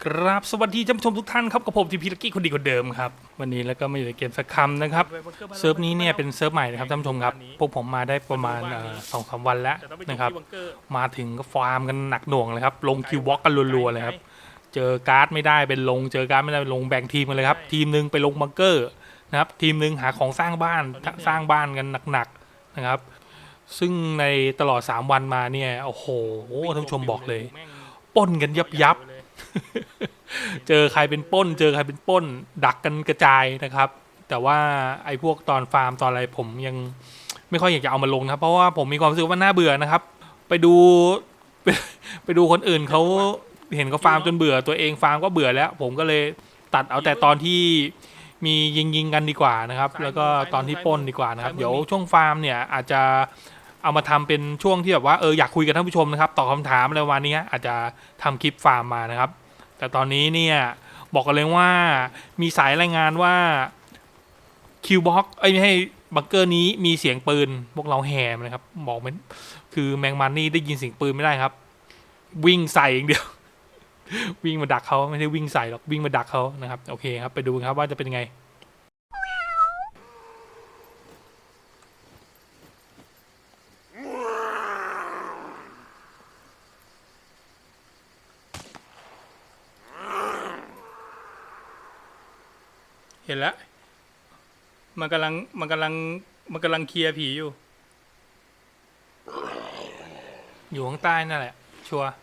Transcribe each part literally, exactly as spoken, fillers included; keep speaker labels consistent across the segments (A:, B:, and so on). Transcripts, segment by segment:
A: ครับสวัสดีท่านผู้ชมทุกท่านครับกับผมทีพีลักกี้คนดีคนเดิมครับวันนี้แล้วก็ไม่อยู่ในเกมสักคำนะครับเซิร์ฟนี้เนี่ยเป็นเซิร์ฟใหม่นะครับท่านผู้ชมครับพวกผมมาได้ประมาณสองสามวันแล้วนะครับมาถึงก็ฟาร์มกันหนักหน่วงเลยครับลงคิวบล็อกกันรัวๆเลยครับเจอการ์ดไม่ได้เป็นลงเจอการ์ดไม่ได้เป็นลงแบ่งทีมกันเลยครับทีมหนึ่งไปลงบังเกอร์นะครับทีมหนึ่งหาของสร้างบ้านสร้างบ้านกันหนักๆนะครับซึ่งในตลอดสามวันมาเนี่ยโอ้โหท่านผู้ชมบอกเลยปล้นกันยับยับเจอใครเป็นป้นเจอใครเป็นป้นดักกันกระจายนะครับแต่ว่าไอ้พวกตอนฟาร์มตอนอะไรผมยังไม่ค่อยอยากจะเอามาลงนะครับเพราะว่าผมมีความรู้สึกว่าน่าเบื่อนะครับไปดูไปไปดูคนอื่นเขาเห็นเขาฟาร์มจนเบื่อตัวเองฟาร์มก็เบื่อแล้วผมก็เลยตัดเอาแต่ตอนที่มียิงยิงกันดีกว่านะครับแล้วก็ตอนที่ป้นดีกว่านะครับเดี๋ยวช่วงฟาร์มเนี่ยอาจจะเอามาทำเป็นช่วงที่แบบว่าเอออยากคุยกับท่านผู้ชมนะครับตอบคำถามอะไรวันนี้อาจจะทำคลิปฟาร์มมานะครับแต่ตอนนี้เนี่ยบอกกันเลยว่ามีสายรายงานว่าคิวบ็อกไอ้ไม่ให้บังเกอร์นี้มีเสียงปืนพวกเราแหมนะครับบอกมันคือแมงมันนี่ได้ยินเสียงปืนไม่ได้ครับวิ่งใส่อย่างเดียว วิ่งมาดักเขาไม่ได้วิ่งใส่หรอกวิ่งมาดักเขานะครับโอเคครับไปดูครับว่าจะเป็นไงเห็นแล้วมันกำลังมันกำลังมันกำลังเคลียร์ผีอยู่อยู่ข้างใต้นั่นแหละชัวร์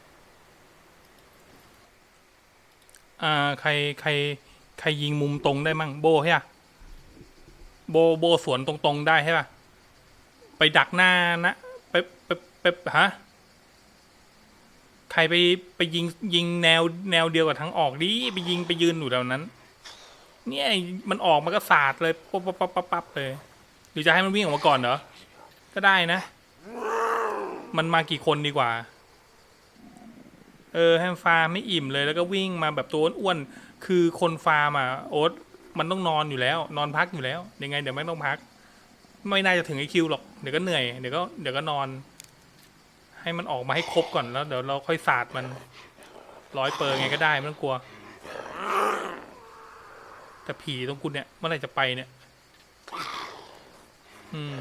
A: อ่าใครใครใครยิงมุมตรงได้มั่งโบใช่ปะโบโบสวนตรงๆได้ใช่ปะไปดักหน้านะไปไปไปฮะใครไปไปยิงยิงแนวแนวเดียวกับทั้งออกดิไปยิงไปยืนอยู่แถวนั้นเนี่ยมันออกมันก็สาดเลยปั๊บปั๊บปั๊บปั๊บปั๊บเลยหรือจะให้มันวิ่งออกมาก่อนเหรอก็ได้นะมันมากี่คนดีกว่าเออให้ฟาร์มไม่อิ่มเลยแล้วก็วิ่งมาแบบตัวอ้วนๆคือคนฟาร์มอ่ะโอ๊ตมันต้องนอนอยู่แล้วนอนพักอยู่แล้วยังไงเดี๋ยวไม่ต้องพักไม่น่าจะถึงไอคิวหรอกเดี๋ยวก็เหนื่อยเดี๋ยวก็เดี๋ยวก็นอนให้มันออกมาให้ครบก่อนแล้วเดี๋ยวเราค่อยสาดมันร้อยเปอร์ไงก็ได้ไม่ต้องกลัวแต่ผีตรงคุณเนี่ยเมื่อไหร่จะไปเนี่ยอืม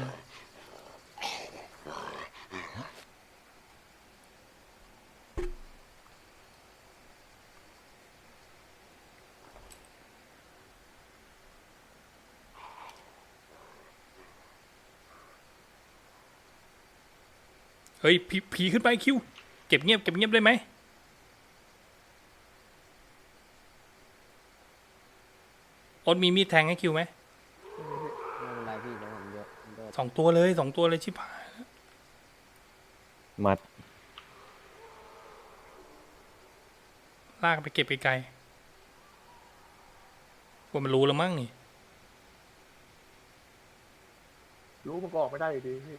A: เฮ้ยผีผีขึ้นไปคิวเก็บเงียบเก็บเงียบได้ไหมโอ๊ตมีมีดแทงให้คิวไหม
B: ไม่เป็นไรพี่เดี๋ยวผมเยอะเยอะ
A: สองตัวเลยสองตัวเลยชิบหาย
C: มัด
A: ลากไปเก็บไกลๆว่ามันรู้แล้วมั้งนี่
D: รู้มันก็ออกไม่ได้อยู่ดีพี่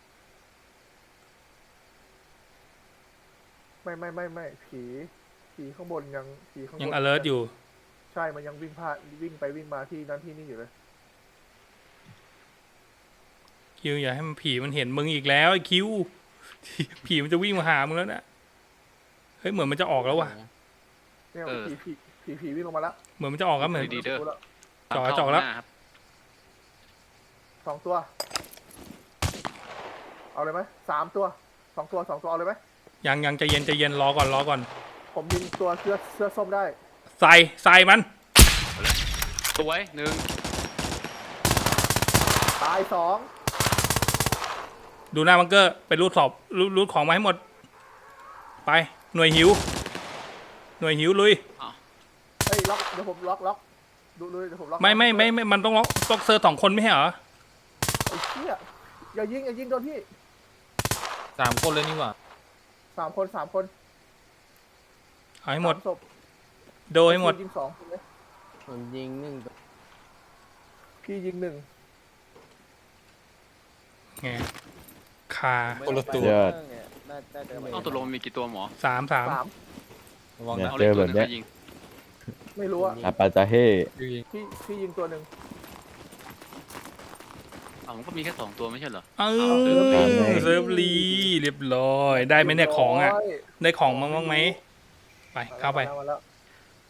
D: ไม่ไม่ไม่ไม่ผีผีข้างบนยังผีข้างบน
A: ยัง alert อยู่
D: ใช่มันยังวิ่งพลาดวิ่งไปวิ่งมาที่นั่นที่นี่อยู่เลย
A: คิวอย่าให้มันผีมันเห็นมึงอีกแล้วไอ้คิวผีมันจะวิ่งมาหามึงแล้วนะเฮ้ยเหมือนมันจะออกแล้วว่ะ
D: เนี่ยผีผีผีผีวิ่งลงมาแล้ว
A: เหมือนมันจะออกครับเหมือน
E: ดีเด้อ
A: จ่อจ่อแล้ว
D: สองตัวเอาเลยไหมสามตัวสองตัวสองตัวเอาเลยไหม
A: ยังยังใจเย็นใจเย็นรอก่อนรอก่อน
D: ผมยิงตัวเสื้อเสื้อส้มได้
A: ใส่ใส่มัน
E: สวยหนึ่ง
D: ตายสอง
A: ดูหน้าบังเกอร์ไปรูดสอบรูดรูดของมาให้หมดไปหน่วยหิวหน่วยหิวลุย
D: เฮ้ยล็อกเดี๋ยวผมล็อกล็อกดูดูเดี๋ยวผมล็อก
A: ไม่ไม่ไม่ไม่มันต้องล็อกต้องเซอร์สองคนไม่ใช่เหรอ
D: ไอ้เหี้ยอย่ายิงอย่ายิงโดนพี่
C: สามคนเลยนี่หว่า
D: สามคนสามคน
A: เอาให้หมดโดให้หมด
D: ยิงสองคนเลย
B: ผมยิงหนึ่ง
D: พี่ยิงหนึ่ง
A: ไงคา
C: คนละตัว
E: ต้องตกลงมีกี่ตัวหมอ
A: สามสาม
C: ระวังนะเจอแบบเนี้ย
D: ไม่รู้อะ
C: อาปาจาเฮ่
D: พี่พี่ยิงตัวหนึ่ง
E: อ๋อมันก็มีแค่สองตัวไม่ใช่เหรอ
A: เออเซิร์ฟลีเรียบร้อยได้ไหมเนี่ยของอ่ะได้ของมั้งมั้งไหมไปเข้าไป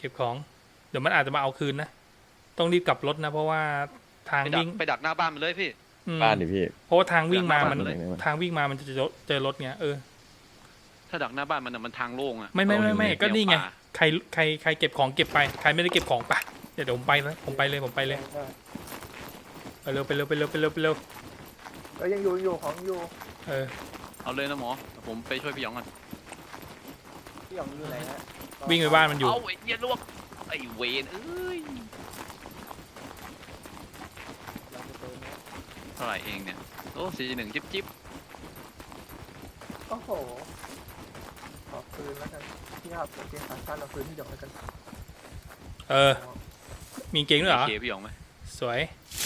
A: ก็บของเดี๋ยวมันอาจจะมาเอาคืนนะต้องรีบกลับรถนะเพราะว่าทาง
E: ไปดัก
A: วิ่ง
E: ไปดักหน้าบ้านมันเลยพี่
A: อืม
C: บ้านดิพี่
A: เพราะว่าทางวิ่งมามัน
E: ไปดักหน้าบ้านเลย
A: ทางวิ่งมามันจะเจอเจอรถเงี้ยเออ
E: ถ้าดักหน้าบ้านมันน่ะมันทางโล่งอะ
A: ไม่ไม่ไม่ไม่
E: เราอยู่
A: ก็นี่ไง
E: แนวป่า
A: ใครใครใครเก็บของเก็บไปใครไม่ได้เก็บของปะเดี๋ยวเดี๋ยวผมไปแล้วผมไปเลยผมไปเลย
D: ได้
A: ไปเร็วไปเร็วไปเร็วไปเร็วไปเร็ว
D: เอ้ยยังอยู่ยังอยู่ของยังอยู่
A: เออ
E: เอาเลยนะหมอเดี๋ยวผมไปช่วยพี่หยองก่อน
B: พี่หยองอยู่ไหนฮะ
A: วิ่งไปบ้านมันอยู่
E: เอาไอ้เหี้ยลวกไอ้เวนเอ้ย
B: เราจะเติมนะ
E: เท่าไหร่เองเนี่ยโอ้สี่หนึ่งจิ๊บจิ๊บ
D: โอ้โหขอคืนแล้วกันพี่ครับโอเคขาสั้นเอาคืนพี่หยองแล้วกัน
A: เออ มีเก่งด้วยเหรอ
E: เคพี่หยองไหม
A: สวย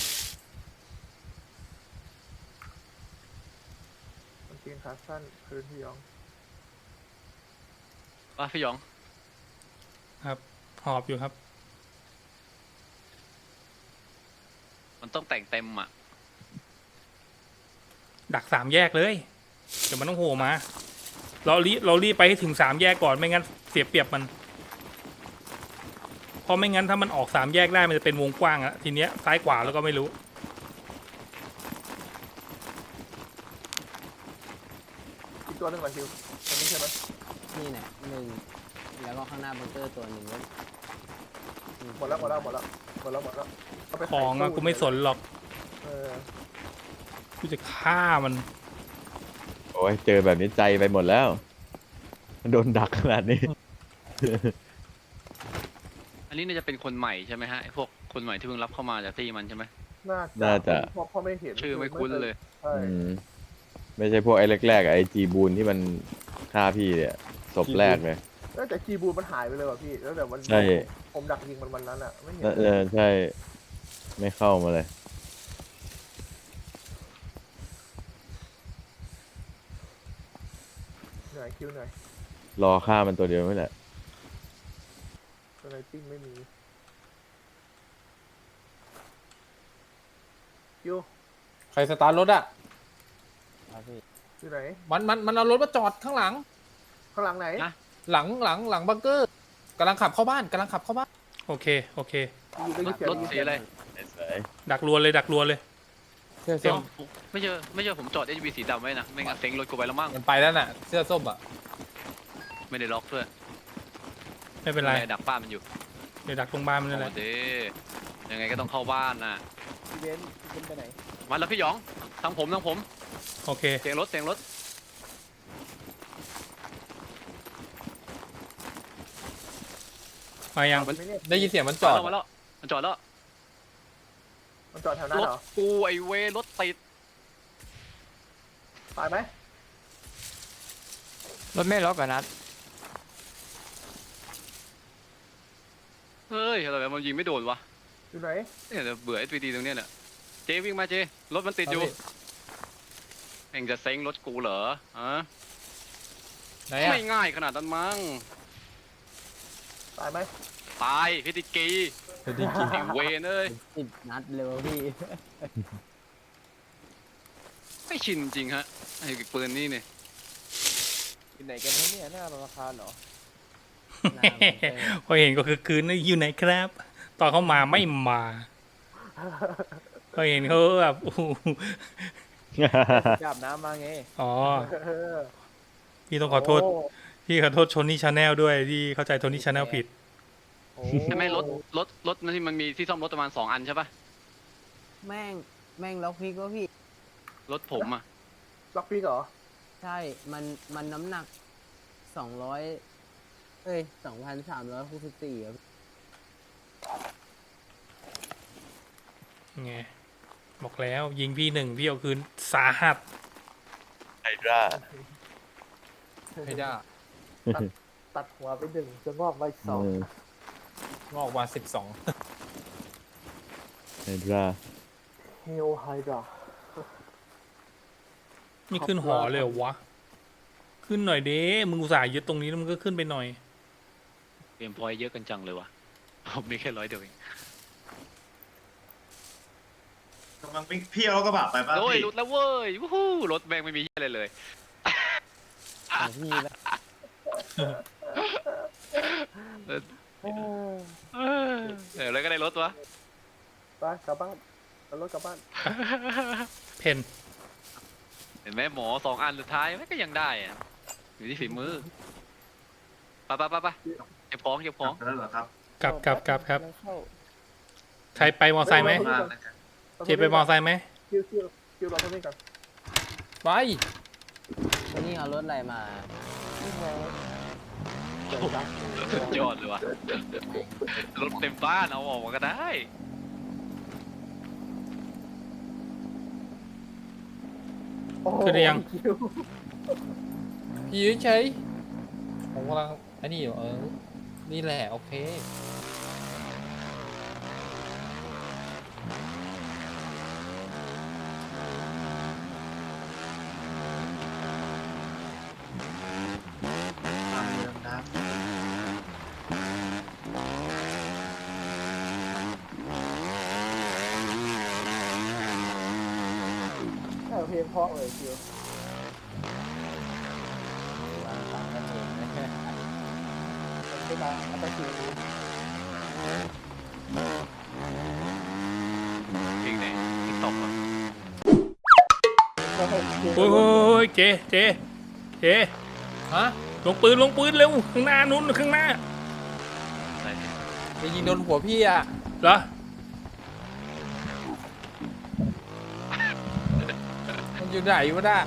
D: กางเกงขาสั้นคืนพี่หยอง
E: ว่าพี่หยอง
A: หอบอยู่ครับ
E: มันต้องแต่งเต็มอ่ะ
A: ดักสามแยกเลยเดี๋ยวมันต้องโผล่มาเรารีบเรารีบไปให้ถึงสามแยกก่อนไม่งั้นเสียเปรียบมันเพราะไม่งั้นถ้ามันออกสามแยกได้มันจะเป็นวงกว้างอะทีเนี้ยซ้ายขวาแล้วก็ไม่รู้
D: อีกตัวหนึ่งก่อนคิวอันนี้ใช่ไหม
B: นี่เนี่ยหนึ่งแล้วก็ข้างหน้าบังเกอร์ตัวหนึ่งแล้ว
D: หมดแล้วหมดแล้วหมดแล้วหมดแล้วหมดแล้วเาไป
A: ข
D: ขาย
A: องอะ
D: ตู้
A: กูไม่สนหรอก
D: เออ
A: กูจะฆ่ามัน
C: โอ้ยเจอแบบนี้ใจไปหมดแล้ว โดนดักขนาดนี้
E: อันนี้น่าจะเป็นคนใหม่ใช่ไหมฮะไอ้พวกคนใหม่ที่เพิ่งรับเข้ามาจากที่มันใช่ไหม
D: น่า
C: น่าจะ
D: เพราะเพราะไม่เห็น
E: ชื่อไม่คุ้นเลย
D: ใช่
C: อืมไม่ใช่พวกไอ้แรกๆอะไอ้จีบูนที่มันฆ่าพี่เนี่ยศพแรกเลย
D: แล้วแต่จีบูนมันหายไปเลยว่ะพี่แล้วแต่วัน
C: ใช่
D: ผมดักยิงมันวันนั้นอ่ะไม่เห็น
C: เออใช่ ไม่เข้ามาเลย
D: เหนื่อยคิวเหนื่อย
C: รอฆ่ามันตัวเดียวไม่แหละ
D: สไนปิ้งไม่มีคิว
F: ใครสตาร์ทรถอ่ะ
B: ครับพี่
D: อยู่ไหน
F: มันมันมันเอารถมาจอดข้างหลัง
D: ข้างหลังไหน
E: นะ
F: หลังหลังหลังบังเกอร์กำลังขับเข้าบ้านกำลังขับเข้าบ้าน
A: โอเคโอเค
D: อยู่ได้
E: ร
D: ยิ
E: ถ
D: นเสียง
E: รถ
D: ได้ยิน
E: สี
D: เสียง
E: อะไร
A: ดักรัวเลยดักรัวเลย
F: เสื้อ
A: เดี๋
F: ส้
A: ยว
F: ม
E: ไม่เจอไม่เจอผมจอด เอช วี สีดำไว้นะไม่งั้นเซ็งรถกูไปแล้วมั้ง
F: มันไปแล้วน่ะ เสื้อส้มอ่ะ
E: ไม่ได้ล็อกด้วย
A: ไม่เป็นไร
E: แม่ดักป้ามันอยู่
A: เดี๋ยวดักตรงบ้านมันนั่นแห
E: โอ้
A: ละ
E: เด้ยังไงก็ต้องเข้าบ้านน่ะ
B: พี่เบนซ์พี่เบนซ์ไปไหน
E: มาแล้วพี่หยองทางผมทางผม
A: โอเค
E: เสียงรถเสียงรถ
A: มายัง
D: มันไม่เนี่ย
F: ได้ยินเสียงมันจ
E: จอ
F: อ
E: ด
F: ด
E: มาแล้วมันจอดแล้ว
D: มันจอดแถวนั้น
E: รถ
D: เหรอ
E: กูไอเวรถติด
D: ตายไหม
G: รถไม่ล็อกอะนัด
E: เฮ้ยอะไรแบบมันยิงไม่โดนวะ
D: อยู่ไหน
E: เนี่ยเดี๋ยวเบื่อ เอส วี ดี ตรงเนี้ยเนี่ยเจวิ่งมาเจรถมันติดอยู่เอ็งจะเซ็งรถกูเหรอฮะ
F: ไหนอ่ะ
E: ไม่ง่ายขนาดนั้นมั้ง
D: ตายไหม
E: ตายพิติกีไอเวนเอ้ย
B: สิบนัดเลยวะพี่
E: ไม่ชินจริงฮะไอ้ปืนนี่เนี่ย
B: อยู่ไหนกันเนี่ยหน้าธนาคารเหรอ
A: พอเห็นก็คือคืนนี่อยู่ไหนครับ ตอนเขามาไม่มาพอเห็นเขาแบบโอ้โห
B: จับน้ำมาไง
A: อ๋อ
D: เออ
A: พี่ต้องขอโทษ
D: โ
A: พี่ขอโทษชนนี่ชาแนลด้วยที่เข้าใจโทนี่ชาแนลผิด
D: โอ้
E: ใช่ไหมรถรถรถนั่นที่มันมีที่ซ่อมรถประมาณสองอันใช่ปะ
B: แม่งแม่งล็อกพิกวะพี่
E: รถผมอ่ะ
D: ล็อกพี่เหรอ
B: ใช่มันมันน้ำหนักสองร้อยเอ้ยสองพันสามร้อยหกสิบสี่อะพี่
A: ไง บอกแล้วยิงพี่หนึ่งพี่เอาคืนสาหัส
C: ไฮดรา
F: ไม่ได้
D: ตัดหัวไปหนึ่งจะงอกไปสอง
F: งอกมาสิบสอง
C: ไฮดรา
D: เฮลไฮดรา
A: ไม่ขึ้นหอเลยเหรอวะ ขึ้นหน่อยเด้มึงอุตส่าห์ยึดตรงนี้แล้วมึงก็ขึ้นไปหน่อย
E: เกมพอยต์เยอะกันจังเลยวะผมมีแค่ร้อยเดียวเอง
H: กำลังวิ่งพี่เอารถกระบะไปป่ะ
E: โอ้ย
H: พี่
E: หลุดแล้วเว้ยวู้ฮู้รถแบงไม่มีอะไรเลย
B: ของพี่แล้ว
D: โอ้
E: เออเออแล้วก็ได้รถวะ
D: ไปกลับบ้านเอารถกลับบ้าน
A: เพน
E: เห็นไหมหมอสองอันสุดท้ายไม่ก็ยังได้อะอยู่ที่ฝีมือไปไปไปไปเก็บของเก็บของ
H: แล้วเหรอครับ
A: กลับกลับกลับครับ
D: ยังเข้า
A: ใครไปมอไซค์ไหม
H: มากเลยครับ
A: เจไปมอไซค์ไหม
D: คิวคิวคิวเราคนนี้ก่อน
F: ไป
B: วันนี้เอารถอะไรมา
D: นี่ไง
E: สุดยอดเลยวะรถเต็มบ้านเอาออกมาก็ได้
D: โอ้โห
A: ขึ้นได้ยัง
D: คิว
F: พี่เฉยผมกำลังอันนี้อยู่เออ นี่แหละโอเค
H: ตามเรื่องน้ำ
D: เออเพลงเพราะเลยคิว
B: วางตังค์กันเองนะ
D: มันเป็นมาอัตคิว
E: เพลงไหนติ๊กต็อกเหรอ
D: โอ้โหคิว
A: โอ้ยโอ้ยเจเจเจ
F: ฮะ
A: ลงปืนลงปืนเร็วข้างหน้านู้นข้างหน้า
E: อะไร
F: ไปยิงโดนหัวพี่อ่ะ
A: เหรอ
F: มันอยู่ไหนวะน่ะ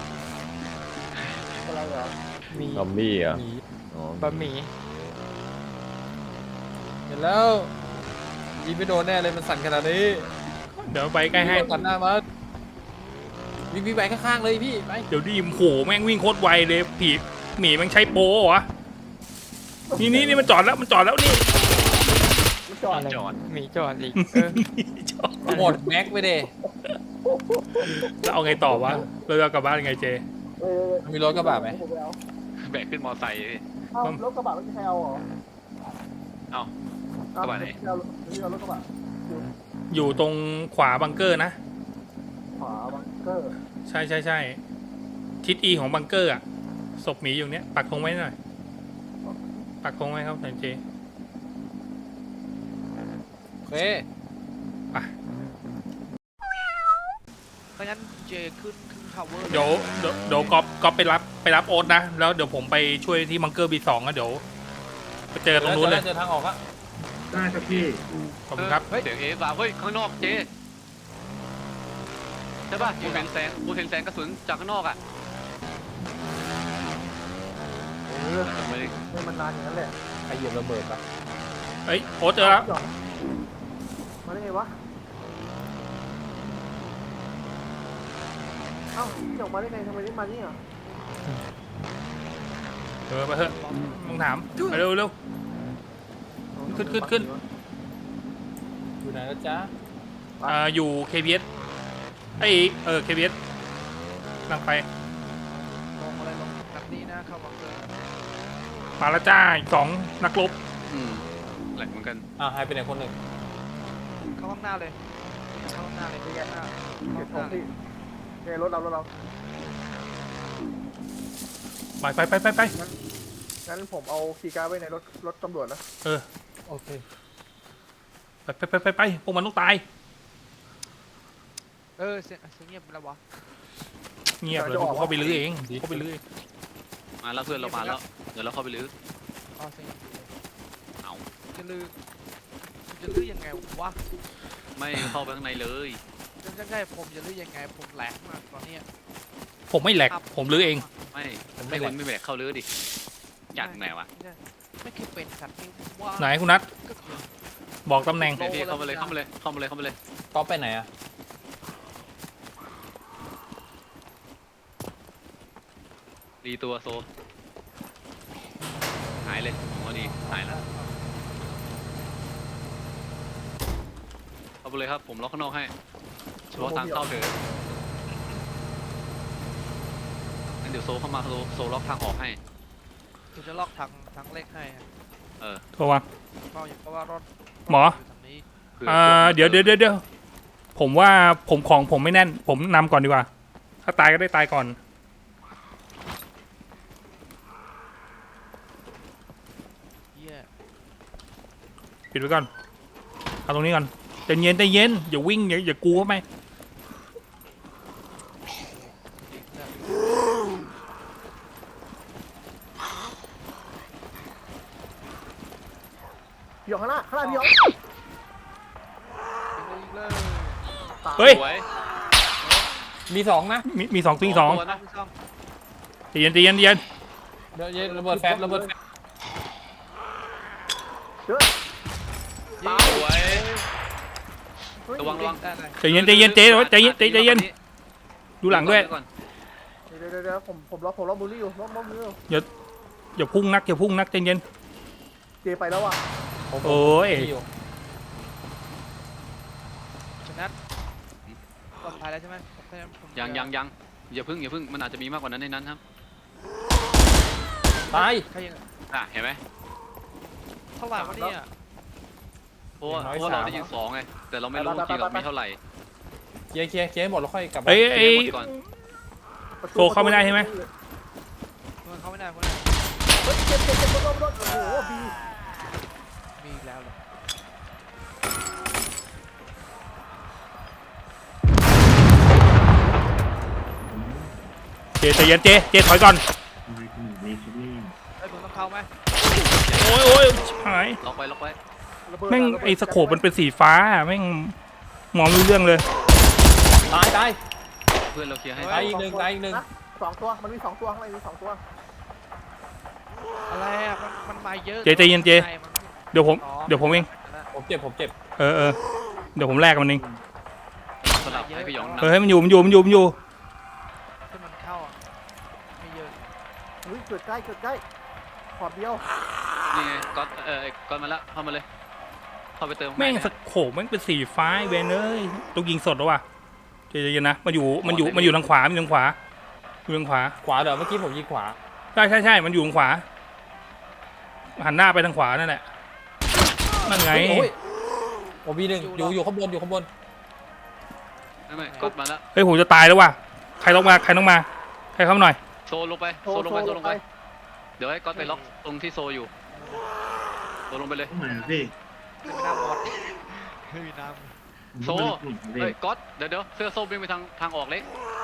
D: อะไรเหรอ
F: มี
C: ซอมบี้เหรอ่ะ
F: หมี
C: อ๋อบ
F: ะหมี่เห็นแล้วยิงไม่โดนแน่เลยมันสั่นขนาดนี้
A: เดี๋ยวไปใกล้ให้
F: สั่นหน้ามาวิ่งวิ่งไปข้างๆเลยพี่ไป
A: เดี๋ยวดิมโหแม่งวิ่งโคตรไวเลยผีหมีแม่งใช้โปรเหรอนี่นี่นี่มันจอดแล้วมันจอดแล้วนี่
D: มันจอด
E: จอด
F: มีจอดอีก
A: จอด
F: หมดแม็กไปเด้
A: แล้วเอาไงต่อวะเราจะกลับบ้านยังไงเจ
D: เออ
F: มีรถกระบะไหม
D: ผมปเอา
E: แบกขึ้นมอไซค์พี่
D: เอ้ารถกระบะไม่มีใครเอาเหรอ
E: เอ้า
D: เอ้าก
E: ระบะไหน
D: ไม่เอาไม่เอารถกระบะคิว
A: อยู่ตรงขวาบังเกอร์นะ
D: ขวาบังเกอร์
A: ใช่ใช่ใช่ทิศอีของบังเกอร์อะศพหมีอยู่เนี้ยปักธงไว้หน่อยปักธงไว้ครับเจ
F: โอเค
A: ไป
G: เพราะงั้นเจขึ้นขึ้นทาวเวอร์
A: เดี๋ยวเดี๋ยวเดี๋ยวก๊อฟก๊อฟไปรับไปรับโอ๊ตนะแล้วเดี๋ยวผมไปช่วยที่บังเกอร์บีสองนะเดี๋ยวไปเจอตรงนู้นเลย
F: เจอทางออกอะ
H: ได้ครับพี่
A: ขอบคุณครับ
E: เฮ้ยเสียงเอสาเฮ้ยข้างนอกเจใช่ป่ะกูเห็นแสงกูเห็นแสงกระสุนจากข้างนอกอ่ะ
D: เออ
E: ไม่ได้
D: ไม่มันนานอย่างนั้นแหละ
F: ใครเหยียบระเบิดปะ
A: เอ้ยโอ๊ตเจอแล้ว
D: หยองมาได้ไงวะเอ้าหยองมาได้ไงทำไมได้มานี่อ่ะ
A: เออไปเถอะมึงถามไปเร็วเร็ว ขึ้นขึ้นขึ้น
F: อยู่ไหนแล้วจ๊ะ
A: อ่าอยู่ เค บี เอส ไอยเออ เค บี เอส นั่งไป
G: ลงอะไรลงแบบนี้นะเข้าบังเกอร์
A: มาแล้วจ้าอีกสองนักรบ
E: อืมแหลกเหมือนกัน
F: อ่าหายไปไหนคนหนึ่ง
G: เข้าข้างหน้าเลยเข้าข้างหน้าเลยข้างหน้า
D: เก็บข
G: เข้า
D: อง
G: ข้างหน้าเลย
D: พี่ไงรถเรารถเรา
A: ไปไปไปไปไป
D: งั้นผมเอาคีย์การ์ดไว้ในรถรถตำรวจนะ
A: เออ
F: โอเค
A: ไปไปไปไปไปพวกมันต้องตาย
G: เออเสียงเสียงเงียบไปแล้ววะ
A: เงียบเลยกูเข้าไปลื้อเองกูเข้าไปลื้อเอง
E: มาแล้วเพื่อนเรามาแล้วเดี๋ยวเราเข้าไปลื้อ
G: อ๋อเสียงเงียบอยู่เลย
E: เอา
G: จะลือจะลือยังไงวะ
E: ไม่เข้าไปข้างในเลย
G: จะใช่ผมจะลือยังไงผมแหลกมากตอนเนี้ย
A: ผมไม่แหลกผมลื้อเอง
E: ไม่ไม่คนไม่แบกเข้าลื้อดิอยากไหนวะ
G: ไม่เคยเป็นสัตว์นี่ว่า
A: ไหนคุณนัท
G: ก็คือ
A: บอกตำแหน่ง
E: พี่เข้ามาเลยเข้ามาเลยเข้ามาเลยเข้ามาเลย
F: ก๊อฟไปไหนอะ
E: ดีตัวโซหายเลยผมว่าดีหายแล้วเข้าไปเลยครับผมล็อกข้างนอกให้เฉพาะทางเข้าเถอะงั้นเดี๋ยวโซเข้ามาโซโซล็อกทางออกให้
G: ผมจะล็อกทางทางเลขให้อะ
E: เออ
A: โทรมา
G: เพราะอย่างเพราะว่ารถ
A: หมอ
G: ยู่ทางนี้
E: ผื่
A: อ่าเดี๋ยวเดี๋ยวเดี๋ยวเดี๋ยวผมว่าผมของผมไม่แน่น ผมนำก่อนดีกว่า ถ้าตายก็ได้ตายก่อน
G: เหี้ย
A: ปิดไว้ก่อนเอาตรงนี้ก่อนใจเย็นใจเย็นอย่าวิ่งอย่าอย่ากูเข้าไป
D: พี่หยองข้างหน้าข้างหน้าพี่หยอง
A: เฮ้ย
E: สวย
F: มีสองนะ
A: มีมีสองตีสอง
E: ตัวนะ
A: ใจเย็นใจเย็นใจเย็น
F: เดี๋ยวเย็นระเบิดแฟบระเบิดแฟบ
D: เด้อ
E: สวย
D: เฮ้ย
E: ระวังระวัง
A: ใจเย็นใจเย็นเจ๊ใจเย็นใจใจเย็นดูหลังด้วย
E: ก่อน
D: เดี๋ยวเดี๋ยวเดี๋ยวผมผมล็อกผมล็อกบูลลี่อยู่ล็อกล็อกบูลลี่อยู่
A: อย่าพุ่งนักอย่าพุ่งนักใจเย็น
D: เจไปแล้วอ่ะ
F: ผม
A: โอ้ย
F: มีอยู่
G: ชนะปลอดภัยแล้วใช่ไหมผมแค่ผม
E: ยังยังยังอย่าพึ่งอย่าพึ่งมันอาจจะมีมากกว่านั้นในนั้นครับ
F: ตาย
G: ใครยัง
E: อ่ะเห็นไหม
G: เท่าไหร่วะเนี่ย
E: เพราะว่า
F: อย่างน้อย
E: เพราะเรา
F: สาม
E: ได้ยิงสองไงแต่เราไม่รู้จริงเรามีเท่าไหร่
F: เคลียร์เคลียร์เคลียร์ให้หมดแล้วค่อยกลับมา
A: เอ้ย
E: เคลี
A: ไอ้
E: ยร์หมดก่อน
D: ประตู
A: โซเข้าไม่ได้ใช่ไหม
G: มันเข้าไม่ได้เพราะอะไร
D: เฮ้ยเจ็บเจ็บเจ็บโดนโดนโดนโอ้โหบี
G: มีอีกแล้วเหรอ
A: เจใจเย็นเจเจถอยก่อน
H: มีคิดนี่
G: เฮ้ยผมต้องเข้าไหม
A: โอ้ยโอ้ยชิบหาย
E: ล็อกไว้ล็อกไว้
D: ระเบิด
A: แม่ง
D: ระเบิด
A: ไอ้สโคปมันเป็นสีฟ้าแม่งมองไม่รู้เรื่องเลย
F: ตายตาย
E: เพื่อนเราเคลียร์ให้
F: ตายอีกหนึ่งตายอีกหนึ่ง
D: ะสองตัวมันมีสองตัวข้างในมีสองตัว
G: อะไรอ่ะมันมันมาเยอะ
A: เจใจเย็นเจ
G: ใช่มัน
A: เดี๋ยวผมเดี๋ยวผมเอง
F: ผมเจ็บผมเจ็บ
A: เออเออเดี๋ยวผมแลกกับมันเอง
E: สลับให้พี่หยอง
A: เออให้มันอยู่มันอยู่มันอยู่มันอยู่
G: ที่มันเข้าอ่ะไม่เยอะ
D: เฮ้ยเกิดใกล้เกิดใกล้ขอบเดียว
E: นี่ไงก๊อตเออก๊อตมาแล้วเข้ามาเลยเข้าไปเติม
A: แม่ง
E: ข้า
A: ส
E: ในนะ
A: โคปแม่งเป็นสีฟ้าไอ้เวนเอ้ยต้องยิงสดแล้วว่ะเจใจเย็นนะมันอยู่มันอยู่มันอยู่ทางขวามันอยู่ทางขวาอยู่ทางขวา
F: ขวาเดี๋ยวเมื่อกี้ผมยิงขวา
A: ใช่ใช่ใช่มันอยู่ทางขวาหันหน้าไปทางขวานั่นแหละนั่นไง
F: โอ้ยโอบีหนึ่งอยู่อยู่ข้างบนอยู่ข้างบน
E: ไม่ไม่ก๊อตมาแล้ว
A: เฮ้ยผมจะตายแล้วว่ะใครต้องมาใครต้องมาใครเข้ามาหน่อย
E: โซลงไปโซลงไปโซลงไปเดี๋ยวให้ก๊อตไปล็อกตรงที่โซอยู่โซลงไปเลย
H: ต้องไหนพี่
G: ไม่มีน้ำหมดไม่มีน้
E: โซเฮ้ยก๊อตเดี๋ยวเดี๋ยวเสื้อส้มวิ่งไปทางทางออกเล็ก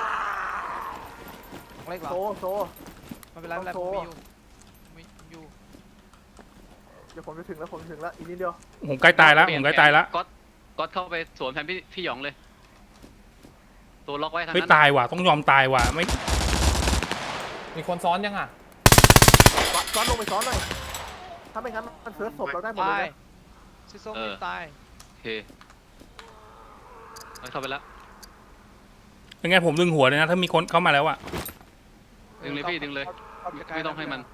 G: ำเล็กเหรอ
D: โซโซ
G: ไม่เป็นไรไม่เป็นไร
D: โท
G: ผ
D: ร
G: มมีอยู่มีอยู่
D: เดี๋ยวผมจะถึงแล้วผมจะถึงแล้วอีกนิดเดียว
A: ผมใกล้ตายแล้ว
E: เป
A: ผ
E: น
A: มใกล้ตายแล้ว
E: ก๊อตก๊อตเข้าไปสวนแทนพี่พี่หยองเลย ตัวล็อกไว้ทาง
A: เฮ้ย
E: นั้น
A: ตายว่ะต้องยอมตายว่ะไม่
F: มีคนซ้อนยังอ่ะ
D: ซ้อนลงไปซ้อนหน่อยถ้าไม่งั้นมันเสิร์ชศพเราได้หมดเล
G: ตาย
D: ยนะ
G: ซิโซ่ไม่ตาย
E: โอเคเอาเข้าไปแล้ว
A: เป็นไงผมดึงหัวเลยนะถ้ามีคนเข้ามาแล้วอ่ะ
E: ดึงเลยพี่ดึงเลย
G: เข้าใกล้ๆ
E: ไม่ต้องให้มัน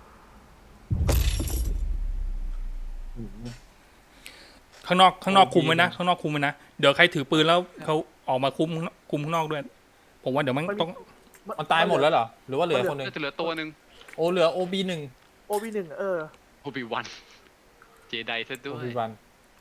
A: ข้างนอกข้างนอกคุมไว้นะข้างนอกคุมไว้นะเดี๋ยวใครถือปืนแล้วเขาออกมาคุมคุมข้างนอกด้วย ผมว่าเดี๋ยวมันต้อง
F: มันตายหมดแล้วเหรอหรือว่าเหลือคนหนึ่ง
E: ก็จะเหลือตัวหนึ่ง
F: โอ้เหลือโอบีหนึ่ง
D: โอวีหนึ่งเออ
E: โอบิวันเจไดซะด้
F: โอ
E: วย
F: บีวัน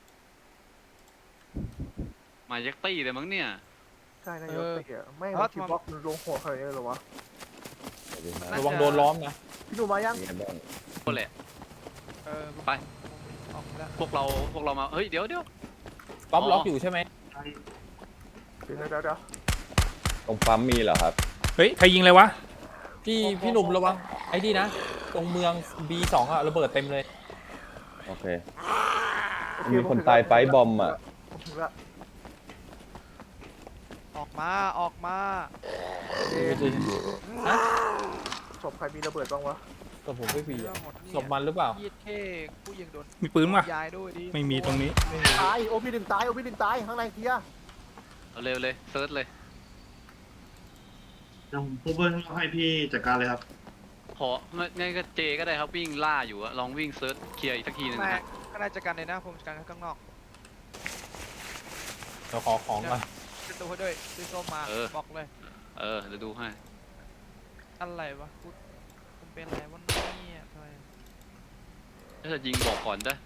E: มายักตี้เลยมั้งเนี่ย
D: ใช่นายกเตะแม่งมันคิดบล็อกมันลงหัวใครเลยเหรอวะ
C: สวัสดีครับ
F: ระวังโดนล้อมนะ
D: พี่หนูมายัง
C: เป็นไงบ้าง
E: ก็แหละ
G: เออผม
E: ไป
G: ออกแล้ว
E: พวกเราพวกเรามาเฮ้ยเดี๋ยวเดี๋ยว
F: ก๊อป
E: อ๋อ
F: ล็อกอยู่ใช่ไหม
D: เดี๋ยวเดี๋ยวเดี๋ยว
C: ตรงปั๊มมีเหรอครับ
A: เฮ้ยใครยิงเลยวะ
F: พี่พี่หนุ่มระวังไอ้นี่นะตรงเมือง บี สองอ่ะระเบิดเต็มเลย
C: โอเค
D: โอเ
C: มีคนตายไฟบอมอ่ะ
D: ผมถึงละ
G: ออกมาออกมา
F: ฮะ
D: ศพใครมีระเบิดบ้างวะ
F: ศพผมไม่มี
G: เรื่อ
F: อะ
G: งหมดเนี่ย
F: ศพมันหรือเปล่า
G: ยีดเข้ผู้ยิงโดน
A: มีปืนป่ะ
G: ยายด้วยดิ
A: ไม่มีตรงนี้
D: ตายโอพีหนึ่งตายโอพีหนึ่งตายข้างในเคลียร์
E: เอาเร็วเลยเซิร์ชเลย
H: เดี๋ยวผมพูดเบิ้ลให้พี่จัดการเลยครับ
E: ของั้นก็เจก็ได้ครับวิ่งล่าอยู่อะลองวิ่งเซิร์ชเคลียร์อีกสักทีหนึง
G: แม่
E: นะฮะ
G: ก็น่าจะกันเลยนะผมจัดการข้างนอก
F: เดี๋ยวขอของก่อน
G: จะตัวให้ด้วยซื้อส้มมาบอกเลย
E: เออเดี๋ยวดูให้
G: อะไรวะพูดผมเป็นอะไรวะเนี่ยทำไม
E: ถ้าจะยิงบอกก่อนได้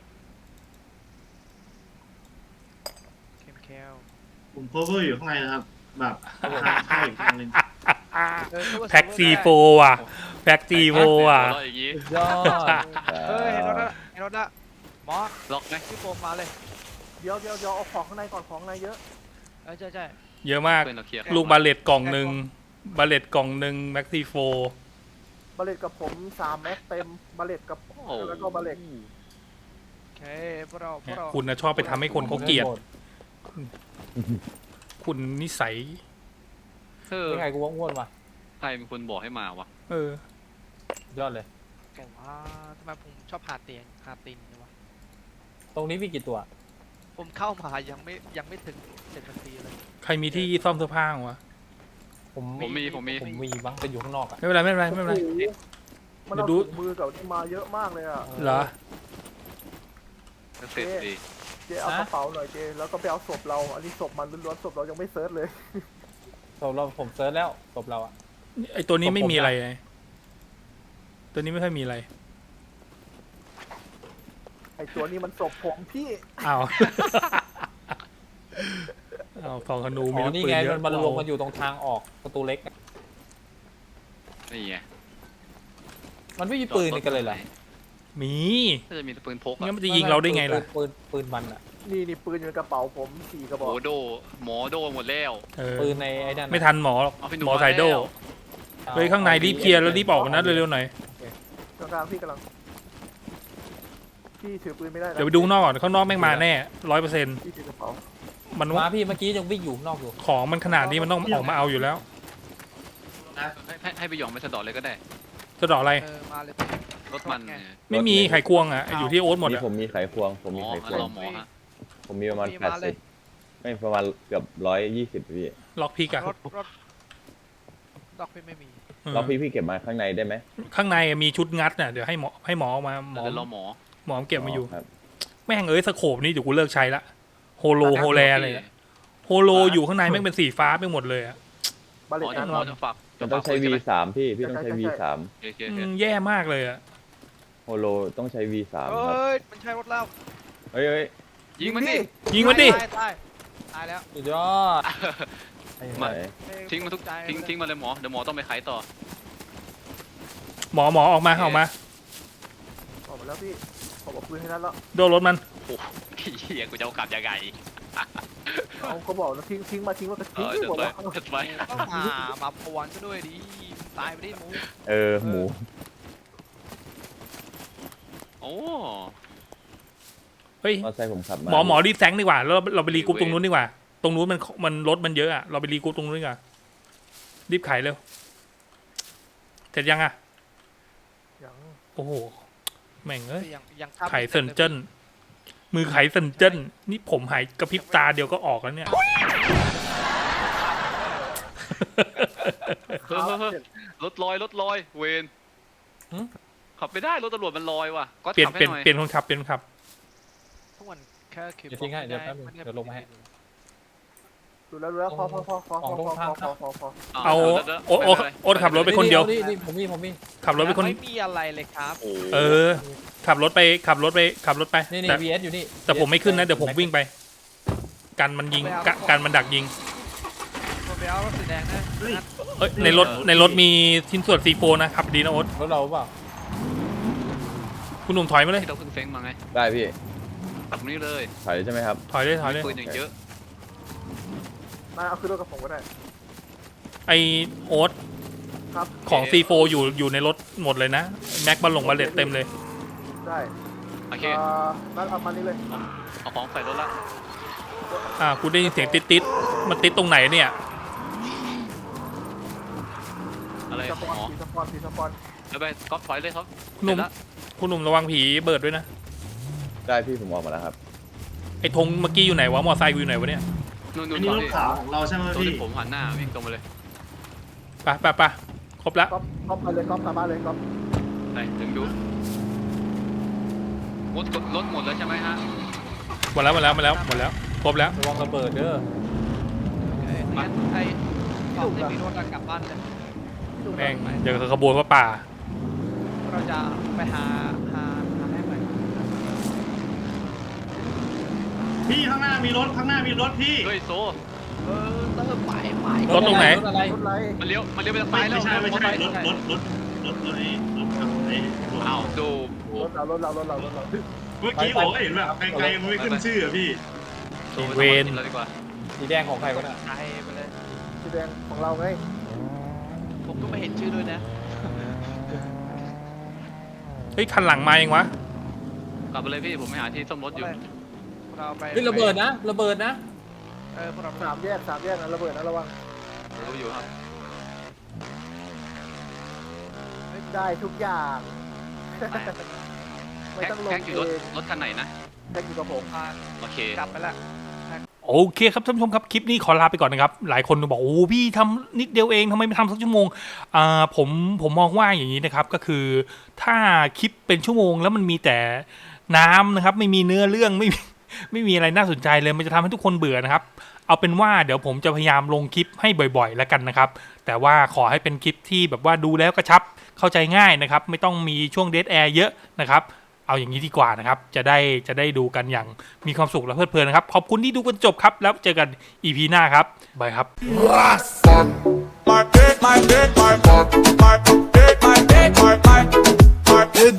G: เข็มแคล
H: ผม cover อยู่ข้างในนะครับ แบบทางเข้าอีกทางหนึง
G: เออนึว่า
A: แพ็กซีโฟว่ะแพ็กซีโฟว่ะ
E: หัวเราอย่างงี้
F: ยอด
G: เฮ้ยเห็นรถละเห็นรถละมอ
E: ล็อกไหม
G: พี่โฟมมาเลย
D: เดี๋ยวเดี๋ยวเดี๋ยวเอาของข้างในก่อนของข้างในเยอะ
G: เออใช่ใช่
A: เยอะมาก
E: เพื่อนเราเคลียร์
A: ลูกบาเลตกล่องหนึ่งบาเลตกล่องหนึ่งแม็กซี่โฟ
D: บาเลตกับผมสามแม็กเต็มบาเลตกับ
E: โอ้
D: แล้วก็บาเลต
G: โอเคพวกเราพวกเรา
A: คุณนะชอบไปทำให้คนเขาเกลียด คุณนิสัย
E: เออ
F: ยังไงกูว่าอ้วนว่ะ
E: ใครเป็นคนบอกให้มาวะ
A: เออ
F: ยอดเลย
G: ผมว่าทำไมผมชอบหาเตียงหาตีนเนี่ยวะ
F: ตรงนี้มีกี่ตัว
G: ผมเข้ามายังไม่ยังไม่ถึงเจ็ดนาทีเลย
A: ใครมีที่ซ่อมเสื้อผ้าวะ
F: ผม
E: ผมมีผมมี
F: ผมมีบ้างแต่อยู่ข้างนอกอ่ะ
A: ไม่เป็นไรไม่เป็นไรไม่เป็นไร
D: โอ้โหมันเอา
A: เดี๋ยวดู
D: ถุงมือกับที่มาเยอะมากเลยอ่ะ
A: เหรอ
E: เสร็จดี
D: เจเอากระเป๋าหน่อยเจแล้วก็ไปเอาศพเรา อันนี้ศพมันล้วนๆศพเรายังไม่เซิร์ชเลย
F: ศพเราผมเซิร์ชแล้วศพเราอ่ะ
A: ไอตัวนี้ไม่
F: ผม
A: มีอะไรเลยตัวนี้ไม่ค่อยมีอะไร
D: ไอตัวนี้มันศพผมพี่
A: อ้าว อ้าวสองธนู
F: อ๋
A: มี
F: อ
A: ลูก
F: นี่
A: ปืน
F: ไง
A: เย
F: มั
A: อะ
F: นมันรวมกันอยู่ตรงทางออกประตูเล็กอะ
E: นี่ไง
F: มันไม่มีปืนนี่กันเลยเหรอ
A: มี
E: ถ้าจะมีปืนพก
A: งั้
E: อะ
A: นมันจะยิงเราได้ไงล่ะ
F: ปืนปืนมันอ่ะ
D: นี่นี่ปืนอยู่ในกระเป๋าผมสี่กระบ
E: โห
D: อก
E: โดหมอโดหมดแล้ว
A: เออ
F: ปืนในไอ้นั่นอะ
A: ไม่ทันหมอหรอก
E: เอาพี่หนุ่
A: ห
E: ม
A: มอไซโด
E: มาแล้ว
A: เฮ้ยข้างในรีบเคลียร์แล้วรีบออกนะเร็วๆหน่อย
D: กลางๆพี่กำลัง พี่ถือปืนไม่ได้นะ
A: เดี๋ยวไปดูข้างนอกก่อนข้างนอกแม่งมาแน่ร้อยเปอร์เซ็นต์
D: พี่ถือกระเป๋า
A: มัน
F: มาพี่เมื่อกี้ยังวิ่งอยู่ข้างนอกอยู่
A: ของมันขนาดนี้มันต้องออกมาเอาอยู่แล้ว
E: ให้ให้ให้ไปหยองไปสะเดอเลยก็ได้
A: จะดอกอะไร
G: เออมาเลย
E: รถมันเนี่ย
A: ไม่มีไขควงอ่ะอยู่ที่โอ๊ตหมด
C: นี่
A: อ่ะ
C: ผมมีไขควง ผม
E: หม
C: มี
E: อ
C: ไข
E: งั้
C: คน ว
E: รง อหมอฮะ
C: ผมมีประมาณ
G: มี
C: แปด
G: มาเล
C: สิ
G: ย
C: บไม่ประมาณเกือบร้อยยี่สิบพี่
A: ล็อกพิกอะ
G: รถรถดอกพี่ไม่มี
A: เออ
C: แล้วพี่พี่เก็บมาข้างในได้ไหม
A: ข้างในมีชุดงัดน่ะเดี๋ยวให้หมอให้หมอเอามาหมอ
E: เดี๋ยวรอหมอ
A: หมอเก็บมาอยู่
C: ครับ
A: แม่งเอ้ยสโคปนี่เดี๋ยวกูเลิกใช้ละโฮโลโฮแลอะไรอะโฮโลอยู่ข้างในแม่งเป็นสีฟ้าไปหมดเลยอ่ะ
D: บาเล
E: หม
D: ต
E: อจะ
D: นะ
E: หมอจะฝาก
C: มันต้องใช้
E: จะ
C: วี
E: ฝาก
C: สามพี่ พี่ต้องใช้ วีสาม
E: โอเค
A: อื
E: โอเค
A: มแย่มากเลยอ่ะ
C: โฮโลต้องใช้ วีสาม
G: เอ
C: ครับ
G: ้ยมันใช่รถแล้ว
C: เฮ้ยเฮ้ย
E: ยิงมันดิ
A: ยิงมันดิ
G: ตายตายตายแล้ว
F: สุดยอด
C: ไหน
E: ทิ้งมันทุกทิ้งทิ้งมาเลยหมอเดี๋ยวหมอต้องไปไขต่อ
A: หมอหมอออกมาออกมา
D: ออกมาแล้วพี่ผมเอาปืนให้นั้นแล้ว
A: โดนรถมัน
E: โอ้เฮียกูจะเอากลับยังไง
D: เอาเขาบอกแล้วทิ้งทิ้งมาทิ้งมาก็
E: เอ
D: ทิ้ง
E: อ
D: ไม่
E: เดี๋ยว
D: หมด
E: ไป
D: แล้ว
E: เดี๋ยวไป
G: ต้องมามาปวนซะด้วยดิตายไปดิหมู
C: เออ หมู
E: โอ้
A: เฮ้ย
C: มอเตอร์ไซค์ผมขับมา
A: หมอหมอรีบแซงดีกว่าแล้วเราเราไปรีกรุ๊ปตรงนู้นดีกว่า ตรงนู้นมันมันรถมันเยอะอ่ะเราไปรีกรุ๊ปตรงนู้นดีกว่ารีบไขเร็วเสร็จยังอ่ะ
D: ยัง
A: โอ้โหแม่งเอ้ย
G: ยังยังข้าม
A: ไขเซินเจิ้นมือไขเซินเจิ้นนี่ผมหายกระพริบตาเดียวก็ออกแล้วเนี่ย
E: เฮ้ยเฮ้ยเฮ้ยรถลอยรถลอยเวน
F: หึ
E: ขับไม่ได้รถตำรวจมันลอยว่ะก็
A: เปลี่ยน
E: ขับ
A: เปลี่ยน
E: ให้หน่อย
A: เปลี่ยนคนขับเปลี่ยนคนขับ
G: ทุกวันแค่คือ
F: เดี๋ยวทิ้งให้เดี๋ยวแป๊บนึงเดี๋ยวลงมาให้
D: ดูแล้วดูแล้วพอพอพอพอพอพอพอพอพอพอ
E: ะ
A: เอา
E: ดี๋ยวดี๋ยว
A: โอ๊ตโอ๊ต
E: ไม่เป็นไร
A: โอ๊ตขับรถ ไปคนเดียว
F: นี่นี่ผมมีผมมี
A: ขับรถไปคน
G: ไม่มีอะไรเลยครับ
E: โอ้
A: เออ ขับรถไปขับรถไปขับรถไป
F: นี่นี่
A: แต่
F: วีเอสอยู่นี่
A: แต่ผมไม่ขึ้นนะเดี๋ยวผมวิ่งไป กันมันยิงกะกันมันดักยิง
G: ผมไปเอารถสีแดงนะ
H: เฮ้ย
G: นัด
A: เอ้ยในรถในรถมีชิ้นส่วนซีโฟนะขับดีนะโอ๊ต
F: รถเราเปล่า
A: คุณหนุ่มถอยมาเลย
E: ที่เราเพิ่งเฟ้งมาไง
C: ได้พี่
E: ขับตรงนี้เลย
C: ถอยใช่ไหมครับ
A: ถอยเลยถอยเลย
E: ปืนอย่างเยอะ
D: มาเอาขึ้นรถกับผมก็ได้
A: ไอโอ๊ต
D: ครับ
A: ของซีโฟอยู่อยู่ในรถหมดเลยนะแม็กบอลลงบาเลตเต็มเลย
D: ได้
E: โอเค
D: เอ่อนั่นเอามานี่เลย
E: เอาของใส่รถละ
A: อ่าคุณได้ยินเสียงติดติดมันติดตรงไหนเนี่ย
E: อะไร
D: ส
E: ข
D: ป
E: อง
D: อน
E: หมอ
D: สีสปอนสีสปอน
E: แล้วไปก๊อฟถอยเลยครับ
A: หนุ่ม
E: เสร็จละ
A: คุณหนุ่มระวังผีเบิร์ดด้วยนะ
C: ได้พี่ผมออกมาแล้วครับ
A: ไอธงเมื่อกี้อยู่ไหนวะมอไซค์กูอยู่ไหนวะเนี่ย
E: นู่น
H: อั
E: นู่
H: น
E: น
H: นี้
E: ต
H: ร
E: รง
H: ถ
E: นี้
H: ขาวของเราใช่ไหม
E: ตรง
H: พี่
E: ที่ผมหันหน้าวิ่งตรงมาเลย
A: ไปไปไปครบแล้ว
D: ก๊อปก๊อปไปเลยก๊อปกลับบ้านเลยก๊อป
E: ไปถึงดูรถรถหมดแล้วใช่ไหมฮะ
A: หมดแล้วหมดแล้วหมดแล้วหมดแล้วครบแล้ว
F: ระวังระเบิดเด้อ
G: ไอ้งั้นไอ้ตอนที่มีรถอะกลับบ้านเลย
A: แม่งเดี๋ยวขบวนพระป่า
G: เราจะไปหาหาหาให้ใหม่
H: พี่ข้างหน้ามีรถข้างหน้ามีรถพี่
E: เฮ้ยโซ
G: เออเติมไปไป
A: รถตรงไหน
F: รถอะไร
D: รถไร
E: มันเลี้ยวมันเลี้ยวไปทางซ้า
H: ไม่
E: ยแล้ว
H: ไม่ใช่ไม่ใช่รถรถรถรถรถไอ้รถขับไอ้รถ
E: อ้าวดู
D: รถเรารถเรารถเรารถเรา
H: เมื่อกี้ผมก็เห็นแบบไกลๆมันไม่ขึ้นชื่ออะพี่
E: โทรไป
A: เว
E: ทำ
A: ร
E: กินแล้วดีกว่า
F: สีแดงของใครวะน่ะ
G: ไทยไปเลย
D: สีแดงของเราไง
G: ผมก็ไม่เห็นชื่อด้วยนะ
A: เฮ้ยคันหลังมาเองวะ
E: กลับไปเลยพี่ผมไปหาที่ซ่อมรถอยู่
G: เราไป
F: เฮ้ยระเบิดนะระเบิดนะ
G: เออพวกเรา
D: สามแยกสามแยกนะระเบิดนะระวัง
E: รู้อยู่ครับ
D: ได้ทุกอย่าง
G: ไป
D: ไม่
E: แพ็ค
D: ต้องลง
E: แพ็คอยู่รถ
D: เอง
E: รถคันไหนนะ
D: แพ็คอยู่กับผม
G: พา
E: โอเค
G: กลับไปละ
A: โอเคครับท่านผู้ชมครับคลิปนี้ขอลาไปก่อนนะครับ หลายคนบอกโอ้พี่ทำนิดเดียวเองทำไมไม่ทำสักชั่วโมงอ่าผมผมมองว่าอย่างนี้นะครับก็คือถ้าคลิปเป็นชั่วโมงแล้วมันมีแต่น้ำนะครับไม่มีเนื้อเรื่องไม่มีไม่มีอะไรน่าสนใจเลยมันจะทำให้ทุกคนเบื่อนะครับเอาเป็นว่าเดี๋ยวผมจะพยายามลงคลิปให้บ่อยๆแล้วกันนะครับแต่ว่าขอให้เป็นคลิปที่แบบว่าดูแล้วกระชับเข้าใจง่ายนะครับไม่ต้องมีช่วงเดทแอร์เยอะนะครับเอาอย่างนี้ดีกว่านะครับจะได้จะได้ดูกันอย่างมีความสุขและเพลิดเพลินนะครับขอบคุณที่ดูกันจบครับแล้วเจอกัน อี พี หน้าครับบายครับ